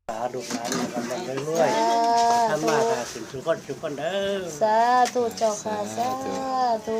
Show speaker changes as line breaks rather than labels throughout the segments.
ลูกหลานกำลังเรื่อยๆทำมาค่ะถึงทุกคนเด้อ
สาธุเจ้าค่ะสาธุ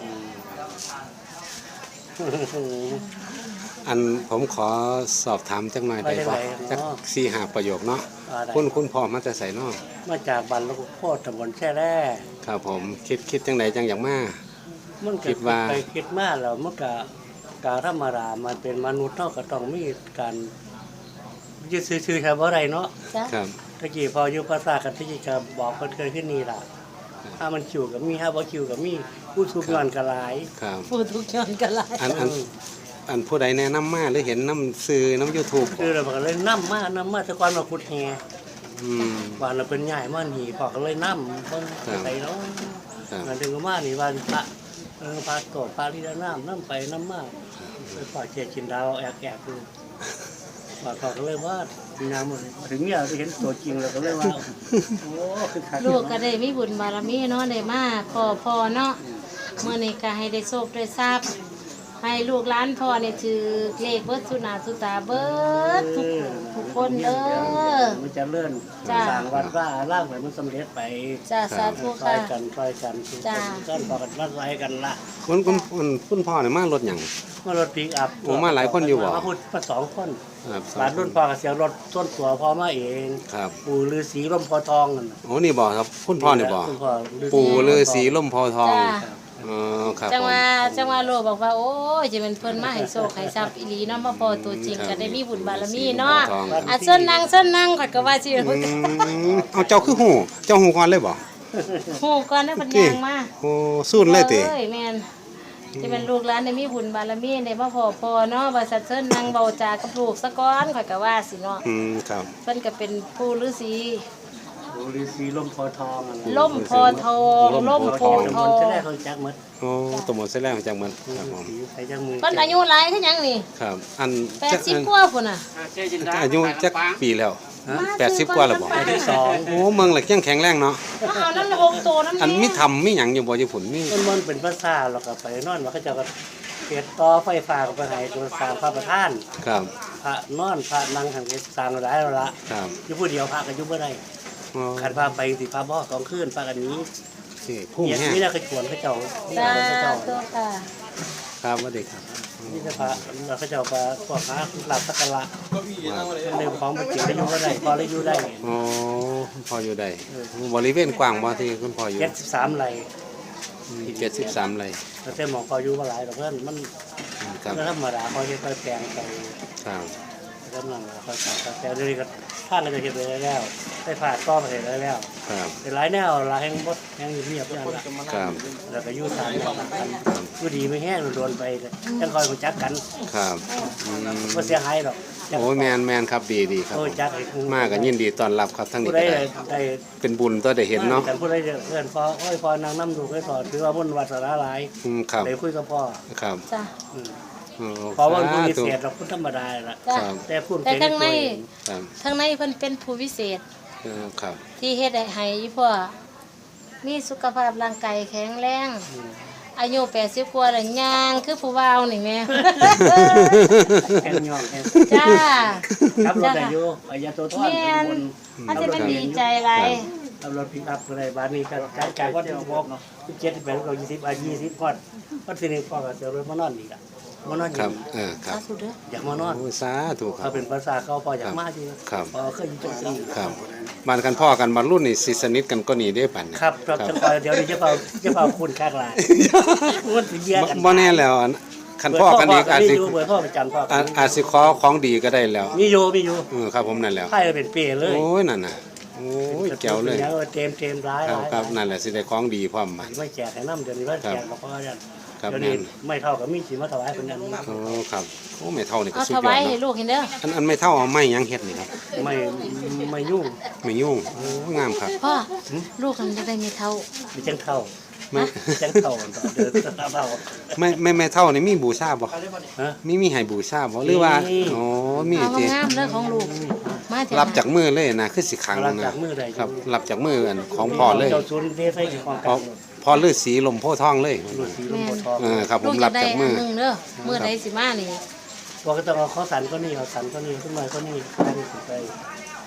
อันผมขอสอบถามจังหน่อยได้ป่ะจัก4-5 ประโยคเนาะคุณพ่อมาแต่ใส่เนาะ
มาจากบ้านลูกโพธิ์ตำบลแช่แร่
ครับผมคิดจังไหนจังอย่างมา
มันคิดว่าไปคิดมาแล้วมันก็การธรรมดามันเป็นมนุษย์เนาะก็ต้องมีการยึดซื่อๆแค่บ่ได้เนาะ
ครับ
ตะกี้พออยู่ภาษากันตะกี้ก็บอกเพิ่นเคยขึ้นนี่ล่ะถ้ามันคิวก็มีถ้าบ่คิวก็มีผู้ทุกย้อนก็หลาย
ครับ
ผู้ทุกย้อนก็หลาย
อันผู้ใดแนะนำมาหรือเห็นน้ำซื้อน้ำ YouTube
คือเราก็เลยนำมาแต่ก่อนมาขุดแฮบ้านเราเป็นใหญ่มานี่พอก็เลยนำเพิ่นใส่เนาะมันถึงมานี่บ้านพระพระโตพระที่น้ำไปน้ำมาไปฝากเจกินดาวแอกดูว่าเขาก็เลยว่าน้ำถึงเนี่ยเห็นตัวจริงแล้วก็เลยว่าโอ้คือขาด
ลูกก็ได้มีบุญบารมีเนาะได้มาขอพรเนาะเมื่อนี้ก็ให้ได้โชคได้ทรัพย์ให้ลูกหลานพ่อเนี่ยถือเลขเบิดสุนาสุตาเบิดทุกคนเด้อ
มันจะเลื่อนสร้างวัดว่าล่างเหมือนมันสำเร็จไป
จ้าสาธุค่ะ
ช่วยกันจ้ากันบอกกันว่าไรกันละ
คุณพ่อเนี่ยมารถอย่าง
มารถปิกอัพ
โอ้มาหลายคนอยู่บ่
มาพูดมา2 คนหลานรุ่นพ่อกับเสียงรถต้นตัวพ่อมาเองปู่ฤาษีร่มโพทองนั่น
โอ้นี่บ่ครับคุณพ่อเนี่ยบ่ปู่ฤาษีร่มโพทอง
จังว่าโลบอกว่าโอ้ยจะเป็นเพิ่นมาให้โชคให้ทรัพย์อีหลีเนาะมาพอตัวจริงก็ได้มีบุญบารมีเนาะเส้นนั่งข่อยก็ว่าสิ
เอาเจ้าคือหูก่อนเลยบ่
ฮู้ก่อนนะเพิ่นย่างมา
โอ้สู้เลยติ
เอ้ยแม่นจะเป็นลูกหลานได้มีบุญบารมีได้มาพอเนาะว่าสัตว์เส้นนั่งเบาจากับลูกซะก่อนข่อยก็ว่าสิเนาะ
ครับ
เพิ่นก็เป็นปู่ฤาษี
ฤาษีร่มโพทอง
ร่มโพทองร่มโพทอง
จะได้เขาจักหมด
โอ้ตหมดเสร็จแล้วจักหมดครับผม
เพิ่นอายุหลายคือหยังนี่
ครับอัน
80กว่าพุ่นน่ะ
อายุจักปีแล้ว80 กว่าแล้วบ่
82
โอ้เมืองละแข็งแรงเนาะ
เอานั่น6โตนั่น
อันมีทำมีหยังอยู่บ่ญี่ปุ่นมี
มันเป็นภาษาแล้วก็ไปนอนว่าเขาเจ้าก็เฮ็ดต่อไฟฟ้าก็ไปให้ตัวสร้างพระประธาน
ครับ
พระนอนพระนั่งทางเฮ็ดสร้างหลายแล้วล่ะ
ครับ
อยู่ผู้เดียวพระก็อยู่บ่ได้ขันพาไปสิพาบ่2 คืนพากันนี้
พุ่งแห้ง
นี่น่าจะชวนเขาเจ้า
ตัวค่ะ
ครับว่าเด็กครับ
นี่จะพาเขาเจ้าพาพวกหาหลับสักการะเรื่องของมันจิตได้อยู่บ่ได้พอได้อยู่ได้
อ๋อพออยู่ได้บริเวณกว้างบ่ที่คุณพ่ออยู่
73 ไร่
73 ไร่
แต่หมองพออยู่บ่หลายดอกเพิ่นมันธรรมดาพอเฮ็ดค่อยแปลงไป
ครับ
กำลังค่อยๆแต่เดี๋ยวนี้ก็ทางก็จะเฮ็ดไปแล้วได้ผ่าต้อไปแล้ว
ครับ
เป็นหลายแนวหลายแห่งบ่แห่งเงียบอย่างละ
ครับ
แล้วก็อยู่ทางกันอยู่ดีไม่แห้งโดนไปจังคอยรู้จักกัน
ครับ
บ่เสียหายดอก
โอ้แม่นครับดีครับมาก็ยินดีต้อนรับครับทั้งนี้
ได้
เป็นบุญตัวได้เห็นเนาะ
แต่ผู้ใดเพื่อนพ่อพ่อนางนำดูให้สอนถือว่าบุญวาสนาหลาย
ครับ
ได้คุยกับพ่อ
ครับ
จ้ะ
เพราะว่าผู้พิเศษเราพูดธรรมดาล่ะแต่พูด
แต่ทั้งในเพิ่นเป็นผู้พิเศษ
ครับ
ที่เฮ็ดให้พ่อมีสุขภาพร่างกายแข็งแรงอายุ80กว่าแล้วย่างคือผู้บ่าวนี่แม่
แข็งย่อง
จ้า
ครับรถอายุโตทอด
เป็นมันจะเป็นดีใจหลาย
ขับรถพิกอัพอะไรบ้านนี้ก็จากว่าจะบอก17 18ก็20 ก่อนก็สินี่พ่อก็เสียรถมานอนอีกอ่ะมานอน
ครับครับ
อยากมานอน
สาธุครับ
เขาเป็นภาษาเขาพออยากมาจริงพอเคยอยู่จังซี่
ครับบ้านกันพ่อกันบ้านรุ่นนี่สิสนิทกันก็นี่ได้ปาน
ครับจังเดี๋ยวนี้จะเฝ้าคุณคักหลายมันสิแย่กัน
บ่แน่แล้วคันพ่อกันอีกอาจสิ
เบอร์พ่อประจำพ่อ
อาจสิขอของดีก็ได้แล้ว
มีอยู่
ครับผมนั่นแล้ว
ไผเป็นเป้เลย
โอ้ยนั่นน่ะโอ้ยแก้วเลย
เต็มร้าย
ครับนั่นแหละสิได้ของดีพร้อมมา
ไม่แจกให้นำเดี๋ยวนี้ว่าแจกบ่พอยันเดี๋ยวนี้ไม่เท่ากับมีสิมาถวายเพิ่นอันนี้
โอ้ครับโอ้ไม่เท่านี่ก็สุดยอด
ถวายให้ลูกเห็นเด้อ
อันไม่เท่าเอาไม้ยังเฮ็ดนี่ครับ
ไม่ยุ่ง
โอ้งามครับ
พ่อลูกมันจะได้มีเท่า
มีจังเท่าจังเท่าเดินตามเท่า
ไม่เท่านี่มีบูชาบ่มีให้บูชาบ่หรือว่าอ๋อมี
ติงามเด้อของลูกมา
รับจากมือเลยนะคือสิขังนะครับรับจากมืออันของพ่อเลยพ่อฤาษีลมโพธิ์ทองเลยครับผมรับจากมือ
เด้อมื้อใดสิมานี่
ว่าก็ต้องเอาข้าวสันก็นี่เอาสันก็นี่ขึ้นมาก็นี่ได้สิไป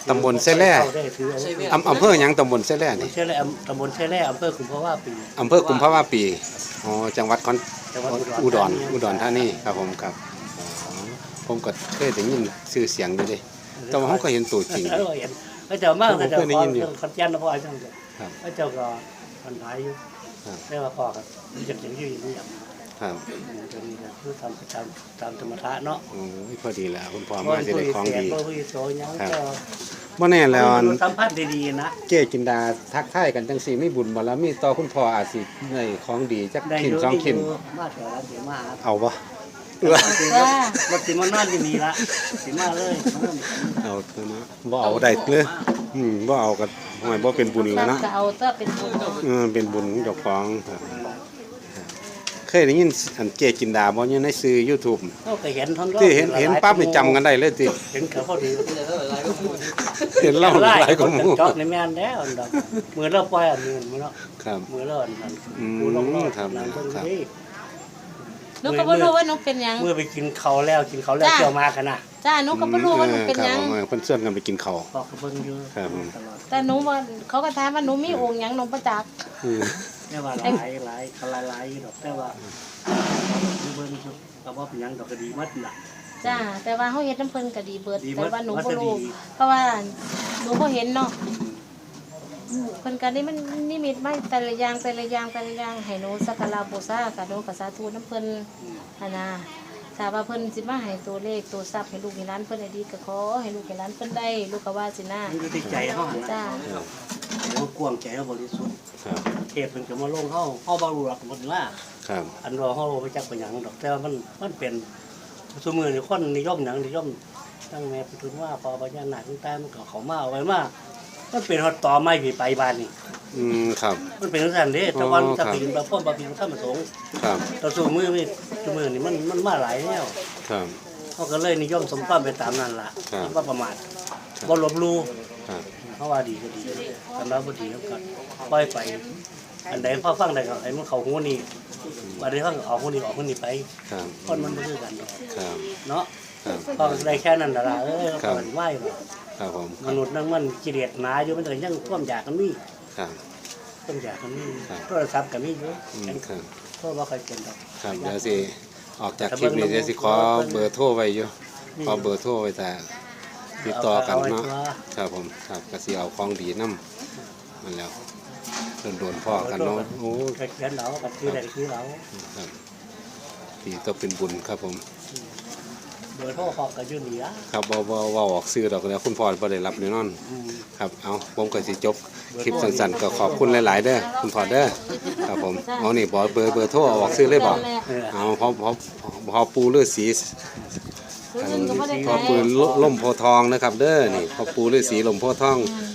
ตำบลเสแล่อำเภอหยังตำบลเสแล่นี่
ตำบลเสแล่อำเภอกุมภาวะปี
อำเภอกุมภาวะปีอ๋อจังหวัด
จังหวัด
อุดรธานีครับผมครับอ๋อผมก็เคยได้ยินชื่อเสียงอยู่เด้แต่ว่าผมก็เห็นตัวจริง
เห็นพระเจ้ามากพระเจ้าขอเรื่องขอนแก่นนะพ่อจังเลยพระเจ้าก็มันหายอยู่ได้ว่าพ่อก็อยากเห็นอยู่อย่างนี้
ครับ
ตรงนี้ก็คือทำประจำตามธรรมทะเนาะ
โอ้ยพอดีแล้วคุณพ่อมาจะได้ของดี
ครับ
บ่แน่แล้ว
สัมพันธ์ดีๆนะ
เจ๊จินดาทักทายกันจังซี่มีบุญบ่แล้วมีต่อคุณพ่ออาจสิได้ของดีจักชิ้นสองชิ้น
มาแถวร้านเสียมา
เอาบ่
รถติมันนอนอยู่นี่ละสิมาเลย
เอาเถอะนะบ่เอาได้เลยบ่เอาก็ห่วยบ่เป็นบุญแล้วเนาะ
จะเอาถ้าเป็นบุญ
เป็นบุญของเจ้าของครับเคยได้ยินอันเจ๊จินดาบ่อยู่ในสื่อ YouTube
เขาเคยเห็นท่อน
ที่เห็นปั๊บนี่จำกันได้เลยติ
เห็นเขาพอดี
เห็นเล่าหลายกว่าหมู่
จอดในแม่นแล้วดอกมือเราปล่อยอันนี้มันเนาะ
ครับ
มือเราอันนั้น
ม
กูลงรอด
ครับ
นั่งเบิ่ง
ครับ
ดิ
หนูก็บ่รู้ว่าหนูเป็นหยัง
เมื่อไปกินเขาแล้วเที่ยวมากันนะ
จ้าหนูก็บ่รู้ว่าหนูเป็นหยัง
ครับเพิ่นชวนกันไปกินข้าว
บอกกับเบิ่งอยู่
ครับผม
ตลอด
แต่หนูว่าเขาก็ถามว่าหนูมีองค์หยังหนูประจักษ์
อืม
แต่ว่าหลายเขาหลายดอกแต่ว่าเบิ่งอยู่ก็บ่เป็นหยังดอกก็ดีหมดน่ะ
จ้าแต่ว่าเฮาเฮ็ดน้ำเพิ่นก็ดีเบิด
ดีเบิ
แต่
ด
ว่าหนู
ว่า
บ่
จะ
รู้
ดี
เพราะว่าหนูบ่เห็นเนาะเพิ่นก็นี่มันนิมิตมาแต่ละอย่างให้หนูสักการะบูชาก็หนูก็สาธุน้ำเพิ่นหั่นน่ะถ้าว่าเพิ่นสิมาให้ตัวเลขตัวทรัพย์ให้ลูกให้หลานเพิ่นได้ดีก็ขอให้ลูกให้หลานเพิ่นได้ลูกก็ว่าสินะ
นี่คือใจเฮาหั่น
จ้า
นะเดี๋ยวกวางใจเฮาบริสุทธิ์
ครับ
เทพเพิ่นก็มาลงเฮาบ่รู้หรอกหมดว่า
ครับ
อันว่าเฮาบ่จักเป็นหยังดอกแต่ว่ามันเป็นซุมื้อนี่คนนิยมหยังนิยมตั้งแม่พุทธว่าพอพญานาคต่างๆมันก็เข้ามาเอาไว้มามันเป็นฮอดต่อไม้พี่ไปบ้านนี่
ครับ
มันเป็นจังซั่นเด้แต่วัน
อ๋อครั
ตะ
บ
พินบ่พ้นบ่พินธรรมสงฆ์
ครับ
ต่อสู้มือนี่ซุมื้อนี่มันมาหลายแนว
ครับ
เขาก็เลยนิยมสมความไปตามนั้นล่ะ
ครับ
บ่ประมาทบ่ลบหลู่
ครับ
เขาว่าดีก็ดีสำหรับบ่ดีเขาก็ปล่อยไป อันใดพอฟังได้ก็ให้มันเข้าหูนี่ว่าได้ฟังออกหูนี่ออกหูนี่ไป
ครับ
คนมันบ่คือกันดอก
ครับ
เนาะ
ครับ
ฟังได้แค่นั้นล่ะ
ครั
ก็
บ
ไหวบ่
ครับผม
มนุษย์นั่นมันกิเลสหนาอยู่มันก็ยังความอยากกันมี
ครับ
ความอยากกันมี
ครับ
โทรศัพท์ก็มีอยู่
ครับ
โทรบ่ค่อยเป็นดอก
ครับเดี๋ยวสิออกจากคลิปนี้เดี๋ยวสิขอเบอร์โทรไว้อยู่ขอเบอร์โทรไว้แต่ติดต่อกันเนาะครับผมครับก็สิเอาของดีนำมันแล้วโดนพ่อกันเนาะโอ้
ก็เขียนเอาก็คือได้คือเอา
ครับดีต้องเป็นบุญครับผม
เบอร์โทรเขาก็อยู่นี่ล่ะ
ครับบ่ออกซื้อดอกแล้วคุณพ่อบ่ได้รับแน่นอน
อืม
ครับเอาผมก็สิจบคลิปสั้นๆก็ขอบคุณหลายๆเด้อคุณพ่อเด้อครับผมเอานี่บอกเบอร์โทรเอาออกซื้อเลยบ่
เออ
เอาพอปูฤาษี
ผู้อื่นก็บ่ได้
พอ
ขาย
ปูล่มโพธิ์ทองนะครับเด้อนี่พอปูฤาษีล่มโพธิ์ทอง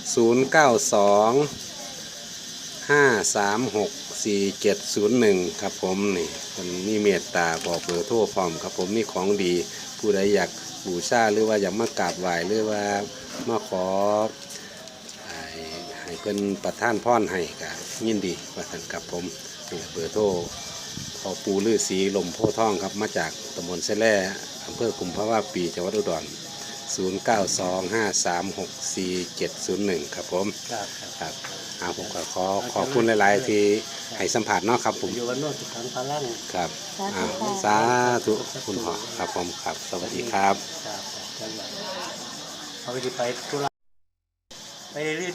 092-536-4701ครับผมนี่มันมีเมตตาบอกเบอร์โทรพร้อมครับผมมีของดีผู้ใดอยากบูชาหรือว่าอยากมากราบไหว้หรือว่ามาขอให้เพิ่นประทานพรให้ก็ยินดีว่าท่านครับผมนี่เบอร์โทรพอปูฤาษีล่มโพธิ์ทองครับมาจากตำบลเสแล่อำเภอกุมภาวะปีจังหวัดอุดร0925364701ครับผม
ครับครับ
ครับผมก็ขอบคุณหลาย ๆ ที่ให้สัมผัสเนาะครับผม
อยู่วันโน้นสุขังพลัง
ครับสาธุคุณพ่อครับผมครับสวัสดีครับ
ครับเขาไปธุระไปเรื่อย